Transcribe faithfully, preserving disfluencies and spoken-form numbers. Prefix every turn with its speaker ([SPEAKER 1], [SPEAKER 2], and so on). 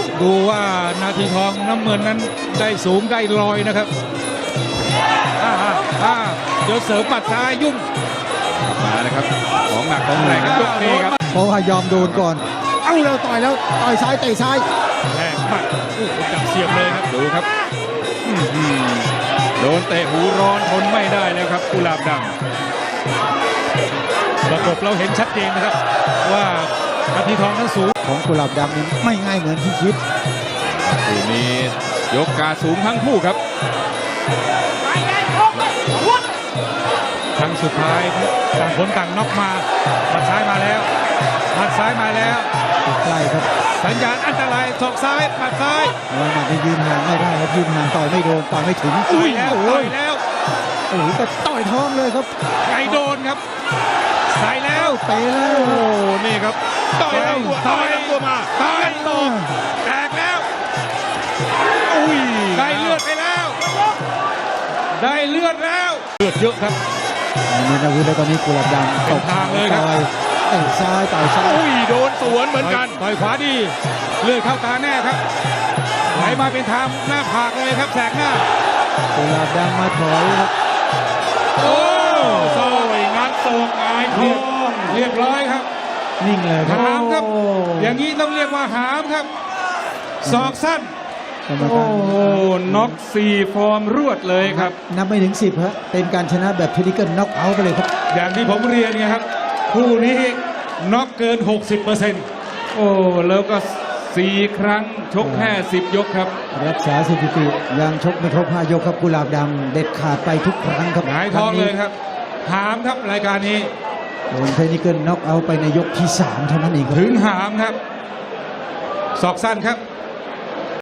[SPEAKER 1] ดูว่านาทีทองน้ำเงินนั้นได้สูงได้ลอยนะครับอ่าอ่าเดี๋ยวเสริมปัดซ้ายยุ่ง
[SPEAKER 2] มาเลยครับของหนักของแรงครับยกนี้ครับ
[SPEAKER 3] เพราะว่ายอมโดนก่อนเอ้าเราต่อยแล้วต่อยซ้ายเตะซ้าย
[SPEAKER 1] แรงมากโอ้โหจับเสียบเลยครับ
[SPEAKER 2] ดูครับโดนเตะหูร้อนทนไม่ได้แล้วครับกุหลาบด
[SPEAKER 1] ำประกบเราเห็นชัดเจนนะครับว่านาทีทองนั้นสูง
[SPEAKER 3] ของกุหลาบดำนี้ไม่ง่ายเหมือนที่คิด
[SPEAKER 2] คู่นี้ยกกาสูงทั้งคู่ครับ
[SPEAKER 1] ครั้งสุดท้ายต่างคนต่างน็อกมาหมัดซ้ายมาแล้วหมัดซ้ายมาแล้ว
[SPEAKER 3] ใกล้ครับ
[SPEAKER 1] สัญญาณอันตรายศอกซ้ายหมัดซ้าย
[SPEAKER 3] หมัดยืนห่างไม่ได้ครับยืนห่างต่อยไม่โดนต่อยไม่ถึง
[SPEAKER 1] ต่อยแล้วต่อยแล้ว
[SPEAKER 3] โอ้โหแต่ต่อยท้องเลยครับ
[SPEAKER 1] ไก่โดนครับใส่แล้ว
[SPEAKER 3] เตะแล้ว
[SPEAKER 2] โอ้นี่ครับต่อยแล้วต่อยตัวมา
[SPEAKER 1] ต่อยต่อแตกแล้วอุ้ยได้เลือดไปแล้วได้เลือดแล้วเลือดเยอะครับ
[SPEAKER 3] นี่นะวิทย์แล้วตอนนี้กุหลาบดำ
[SPEAKER 1] ตกทางเลยครับ
[SPEAKER 3] เตะซ้ายต่อยซ้าย
[SPEAKER 2] อุ้ยโดนสวนเหมือนกัน
[SPEAKER 1] ต่อยขวาดีเลือดเข้าตาแน่ครับไหลมาเป็นทางหน้าผากเลยครับแสกหน้า
[SPEAKER 3] กุหลาบดำมาถอยครับ
[SPEAKER 1] โอ้โซ่งัดตกหงายท้องเรียบร้อยครับ
[SPEAKER 3] นิ่งเลย
[SPEAKER 1] หามครับอย่างนี้ต้องเรียกว่าหามครับศอกสั้น
[SPEAKER 2] โอ้โหน็อกสี่ฟอร์มรวดเลยครับ
[SPEAKER 3] นับไม่ถึงสิบฮะเป็นการชนะแบบเทคนิคน็อกเอาท์ไปเลยครับ
[SPEAKER 1] อย่างที่ผมเรียนไงครับคู่นี้น็อกเกิน หกสิบเปอร์เซ็นต์
[SPEAKER 2] โอ้แล้วก็สี่ครั้งชกแค่สิบยกครับ
[SPEAKER 3] รักษาสถิติยังชกไม่ครบห้ายกครับกุหลาบดำเด็ดขาดไปทุกครั้งครับ
[SPEAKER 1] หงายท้องเลยครับหามครับรายการนี้
[SPEAKER 3] โดนเทคนิคน็อกเอาท์ไปในยกที่สามเท่านั้นเอง
[SPEAKER 1] ถึงหามครับศอกสั้นครับ